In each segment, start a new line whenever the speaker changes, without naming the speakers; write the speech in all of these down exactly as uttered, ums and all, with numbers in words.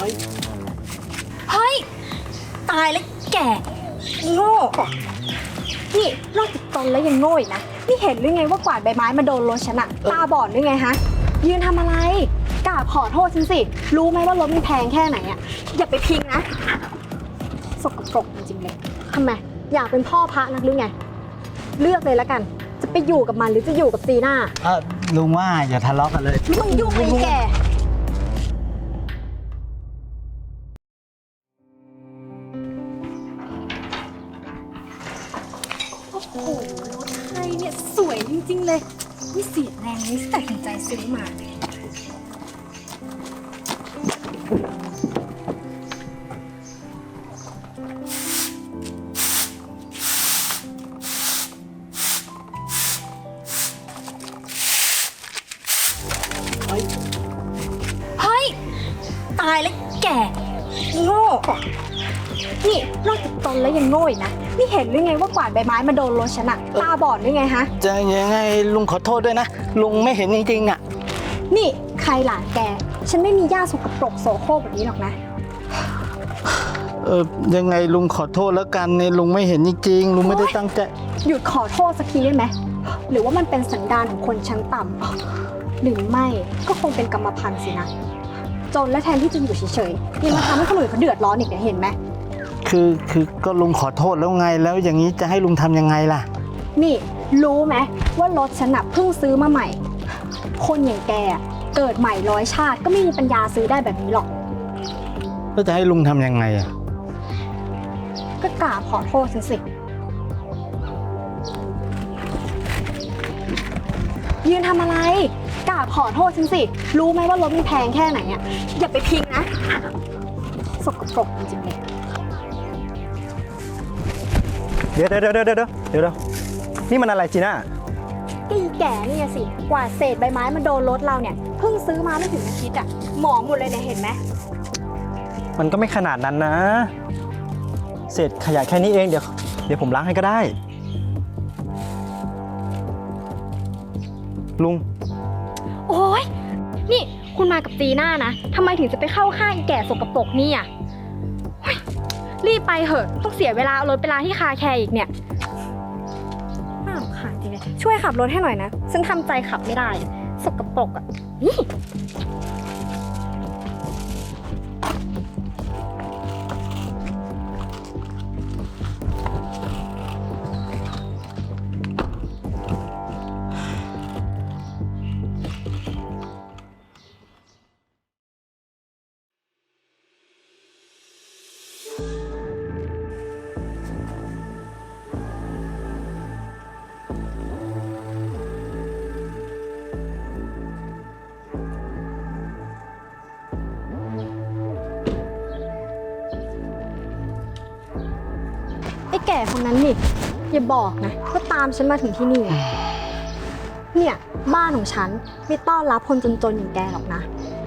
เฮ้ยตายแล้วแก่โง่นี่นอกจากตนแล้วยังโง่อีกนะนี่เห็นหรือไงว่ากวาดใบไม้มาโดนรถฉันอะตาบอดหรือไงฮะยืนทำอะไรกราบขอโทษฉันสิรู้ไหมว่ารถมันแพงแค่ไหนอะอย่าไปพิงนะสกปรกจริงๆเลยทำไมอยากเป็นพ่อพระนักหรือไงเลือกเลยแล้วกันจะไปอยู่กับมันหรือจะอยู่กับจีน่า
เออลุงว่าอย่าทะเลาะกันเลย
ไม่ต้องยุ่งเลยแกโอ้โหรถไทยเนี่ยสวยจริงๆเลยไม่เสียแรงเลยที่ตัดสินใจซื้อมาเฮ้ยตายแล้วแก่โง่นี่นอกจากตนแล้วยังโง่อีกนะนี่เห็นหรือไงว่ากวาดใบไม้มาโดนรถฉันอะตาบอดหรือไงฮะ
จะยังไงลุงขอโทษด้วยนะลุงไม่เห็นจริงๆอ่ะ
นี่ใครหลานแกฉันไม่มีย่าสกปรกโสโครกแบบนี้หรอกนะ
เออยังไงลุงขอโทษแล้วกันเนี่ยลุงไม่เห็นจริงๆลุงไม่ได้ตั้งใจ
หยุดขอโทษสักทีได้ไหมหรือว่ามันเป็นสันดานของคนชั้นต่ำหรือไม่ก็คงเป็นกรรมพันธุ์สินะจนและแทนที่จะอยู่เฉยๆยังมาทำให้คนอื่นเขาเดือดร้อนอีกเนี่ยเห็นไหม
คือคือก็ลุงขอโทษแล้วไงแล้วอย่างนี้จะให้ลุงทำยังไงล่ะ
นี่รู้ไหมว่ารถฉันน่ะเพิ่งซื้อมาใหม่คนอย่างแกเกิดใหม่ร้อยชาติก็ไม่มีปัญญาซื้อได้แบบนี้หรอก
แล้วจะให้ลุงทำยังไงอ่ะ
ก็กราบขอโทษสิยืนทำอะไรกราบขอโทษฉันสิรู้ไหมว่ารถมันแพงแค่ไหนอ่ะอย่าไปพิงนะสกปรกจริงๆเลย
เดี๋ยวเดี๋ยวเดี๋ยวเดี๋ยวเดี๋ยวเดี๋ยวนี่มันอะไรจีน่า
ก็อีแก่นี่สิกว่าเศษใบไม้มันโดนรถเราเนี่ยเพิ่งซื้อมาไม่ถึงอาทิตย์อ่ะหมองหมดเลยเนี่ยเห็นไหม
มันก็ไม่ขนาดนั้นนะเศษขยะแค่นี้เองเดี๋ยวเดี๋ยวผมล้างให้ก็ได้ลุง
โอ๊ยนี่คุณมากับจีน่านะทำไมถึงจะไปเข้าข้างอีแก่สกปรกนี่อ่ะรีบไปเหอะต้องเสียเวลาเอารถไปล้างที่คาแคร์อีกเนี่ยน่ารำคาญจริงเลยช่วยขับรถให้หน่อยนะฉันทำใจขับไม่ได้สกปรกอ่ะนี่ไอ้แก่คนนั้นนี่อย่าบอกนะว่าตามฉันมาถึงที่นี่เนี่ยบ้านของฉันไม่ต้อนรับคนจนๆอย่างแกหรอกนะ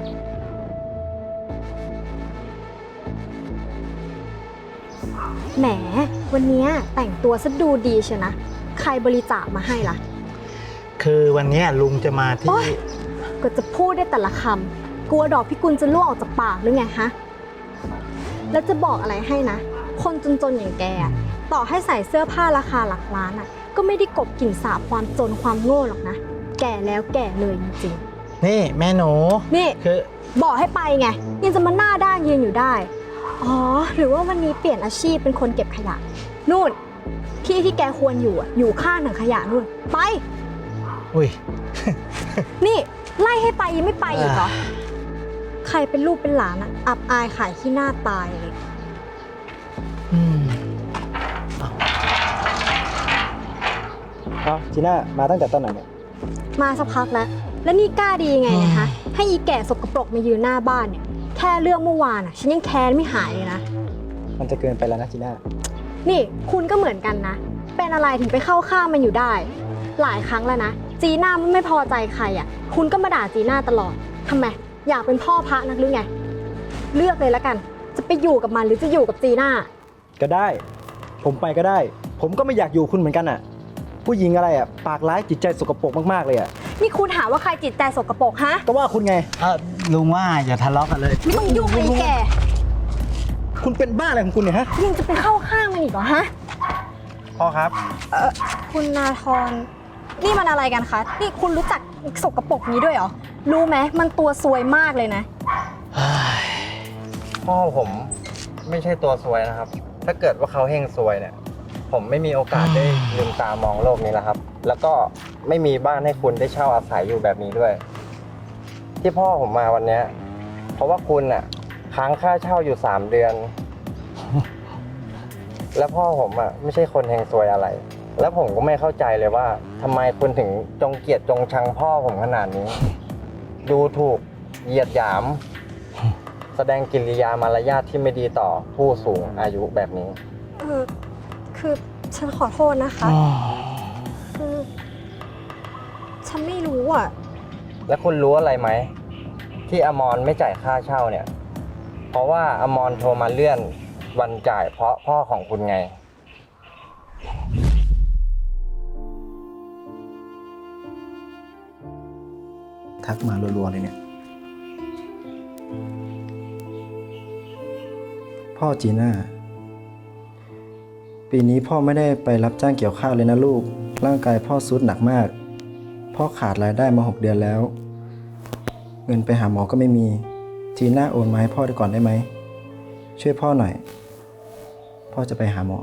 แหมวันนี้แต่งตัวซะดูดีเชียวนะใครบริจาคมาให้ล่ะ
คือวันนี้ลุงจะมาที่
ก็จะพูดได้แต่ละคำกลัวดอกพิกุลจะล่วงออกจากปากหรือไงฮะแล้วจะบอกอะไรให้นะคนจนๆอย่างแกต่อให้ใส่เสื้อผ้าราคาหลักล้านอ่ะก็ไม่ได้กลบกลิ่นสาบความจนความโง่หรอกนะแก่แล้วแก่เลยจริง
ๆนี่แม่หนู
นี่
คือ
บอกให้ไปไงยังจะมาหน้าด้านยืนอยู่ได้อ๋อหรือว่าวันนี้เปลี่ยนอาชีพเป็นคนเก็บขยะนู่นที่ที่แกควรอยู่อ่ะอยู่ข้างถังขยะนู่นไป
อุ้ย
นี่ไล่ให้ไปยังไม่ไปอีกเหรอใครเป็นลูกเป็นหลานอ่ะอับอายขายขี้หน้าตายเลย
อืม
อ้าวจีน่ามาตั้งแต่ตอนไหนเนี่ย
มาสักพักแล้วแล้วนี่กล้าดียังไงนะคะให้อีแก่สกปรกมายืนหน้าบ้านเนี่ยแค่เรื่องเมื่อวานอ่ะฉันยังแค้นไม่หายเลยนะ
มันจะเกินไปแล้วนะจีน่า
นี่คุณก็เหมือนกันนะเป็นอะไรถึงไปเข้าข้างมันอยู่ได้หลายครั้งแล้วนะจีน่าไม่พอใจใครอ่ะคุณก็มาด่าจีน่าตลอดทำไมอยากเป็นพ่อพระนักหรือไงเลือกเลยแล้วกันจะไปอยู่กับมันหรือจะอยู่กับจีน่า
ก็ได้ผมไปก็ได้ผมก็ไม่อยากอยู่คุณเหมือนกันอ่ะผู้หญิงอะไรอ่ะปากร้ายจิตใจสกปรกมากๆเลยอ่ะ
นี่คุณหาว่าใครจิตใจสกปรกฮะ
ก็ว่าคุณไง
เออลุงว่าอย่าทะเลาะกันเลย
ไม่ต้องยุ่งเลยแก
คุณเป็นบ้าอะไรของคุณเนี่ยฮะ
ยังจะไปเข้าข้างมันอีกเหรอฮะ
พ่อครับ
เออคุณนาธรนี่มันอะไรกันคะ นี่คุณรู้จักสกปรกนี้ด้วยเหรอ รู้ไหมมันตัวซวยมากเลยนะ
พ่อผมไม่ใช่ตัวซวยนะครับ ถ้าเกิดว่าเขาเฮงซวยเนี่ย ผมไม่มีโอกาสได้ลืมตามองโลกนี้แล้วครับ แล้วก็ไม่มีบ้านให้คุณได้เช่าอาศัยอยู่แบบนี้ด้วย ที่พ่อผมมาวันเนี้ยเพราะว่าคุณน่ะค้างค่าเช่าอยู่สามเดือน แล้วพ่อผมอ่ะไม่ใช่คนเฮงซวยอะไร แล้วผมก็ไม่เข้าใจเลยว่าทำไมคุณถึงจงเกลียดจงชังพ่อผมขนาดนี้ ดูถูกเหยียดหยาม แสดงกิริยามารยาทที่ไม่ดีต่อผู้สูงอายุแบบนี้
เออคือฉันขอโทษนะคะ คือฉันไม่รู้อ่ะ
แล้วคุณรู้อะไรไหม ที่อมรไม่จ่ายค่าเช่าเนี่ย เพราะว่าอมรโทรมาเลื่อนวันจ่ายเพราะพ่อของคุณไง
ทักมารัวๆเลยเนี่ย พ่อจีน่า ปีนี้พ่อไม่ได้ไปรับจ้างเกี่ยวข้าวเลยนะลูก ร่างกายพ่อทรุดหนักมาก พ่อขาดรายได้มาหกเดือนแล้ว เงินไปหาหมอก็ไม่มี จีน่าโอนมาให้พ่อได้ก่อนได้ไหม ช่วยพ่อหน่อย พ่อจะไปหาหมอ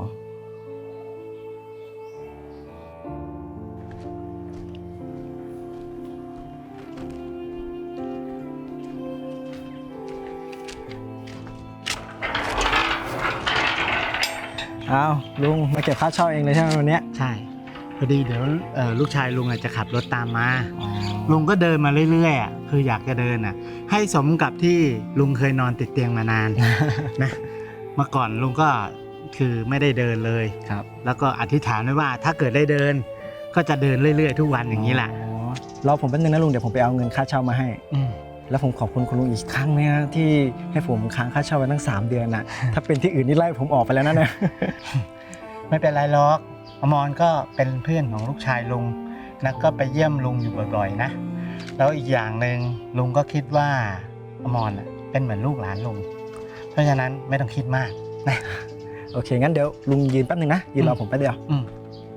อ้าวลุงมาเก็บค่าเช่าเองเลยใช่ไหมวันเนี้ย
ใช่ พอดีเดี๋ยวเอ่อลูกชายลุงอาจจะขับรถตามมา ลุงก็เดินมาเรื่อยๆอ่ะคืออยากจะเดินอ่ะ ให้สมกับที่ลุงเคยนอนติดเตียงมานาน นะเมื่อก่อนลุงก็คือไม่ได้เดินเลย
ครับ
แล้วก็อธิษฐานไว้ว่าถ้าเกิดได้เดิน ก็จะเดินเรื่อยๆ ทุกวันอย่างนี้แหละ
อ๋อรอผมแป๊บนึงนะลุงเดี๋ยวผมไปเอาเงินค่าเช่ามาให้
อืม
แล้วผมขอบคุณคุณลุงอีกครั้งนะที่ให้ผมค้างค่าเช่าไว้ตั้งสามเดือนนะ ถ้าเป็นที่อื่นนี่ไล่ผมออกไปแล้วนะเนี่ย
ไม่เป็นไรหรอกอมรก็เป็นเพื่อนของลูกชายลุงแล้วก็ไปเยี่ยมลุงอยู่บ่อยๆนะ แล้วอีกอย่างหนึ่งลุงก็คิดว่าอมรน่ะเป็นเหมือนลูกหลานลุง เพราะฉะนั้นไม่ต้องคิดมากนะ
โอเคงั้นเดี๋ยวลุงยืนแป๊บนึงนะยืนรอผมแป๊บเดียว
อืม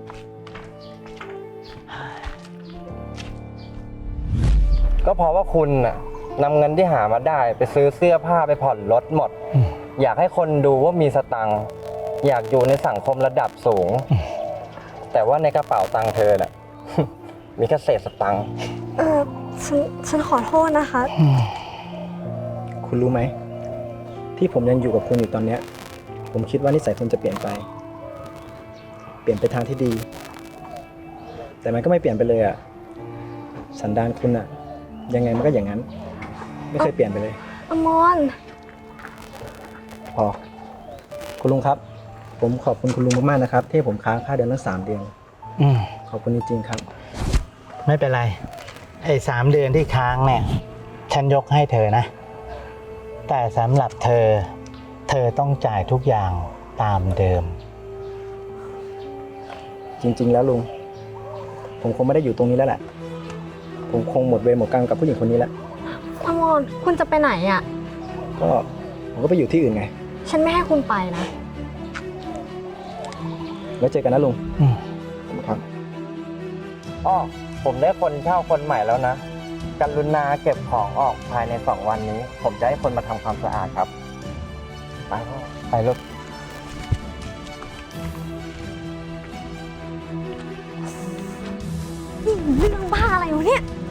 ก็เพราะว่าคุณน่ะนำเงินที่หามาได้ไปซื้อเสื้อผ้าไปผ่อนรถหมด อยากให้คนดูว่ามีสตังค์อยากอยู่ในสังคมระดับสูง แต่ว่าในกระเป๋าตังค์เธอน่ะ มีแค่เศษสตังค์
เออฉันฉันขอโทษนะคะ
คุณรู้ไหมที่ผมยังอยู่กับคุณอยู่ตอนเนี้ยผมคิดว่านิสัยคุณจะเปลี่ยนไป เปลี่ยนไปทางที่ดี แต่มันก็ไม่เปลี่ยนไปเลยอ่ะสันดานคุณอ่ะยังไงมันก็อย่างนั้น ไม่เคยเปลี่ยนไปเลย
อมร
พอคุณลุงครับ ผมขอบคุณคุณลุงมากๆนะครับ ที่ให้ผมค้างค่าเดือนตั้งสามเดือน
อืม
ขอบคุณจริงๆครับ
ไม่เป็นไรไอ้สามเดือนที่ค้างเนี่ยฉันยกให้เธอนะ แต่สำหรับเธอ เธอต้องจ่ายทุกอย่างตามเดิม
จริง ๆ แล้วลุงผมคงไม่ได้อยู่ตรงนี้แล้วแหละผมคงหมดเวรหมดกรรมกับผู้หญิงคนนี้แล้ว
อมร คุณจะไปไหนอ่ะ
ก็ผมก็ไปอยู่ที่อื่นไง
ฉันไม่ให้คุณไปนะ
แล้วเจอกันนะลุง
อืม
ครับ
อ้อผมได้คนเช่าคนใหม่แล้วนะกรุณาเก็บของออกภายในสองวันนี้ ผมจะให้คนมาทำความสะอาดครับ ไปพ่อไปลูก
นี่เรื่องบ้าอะไรวะเนี่ย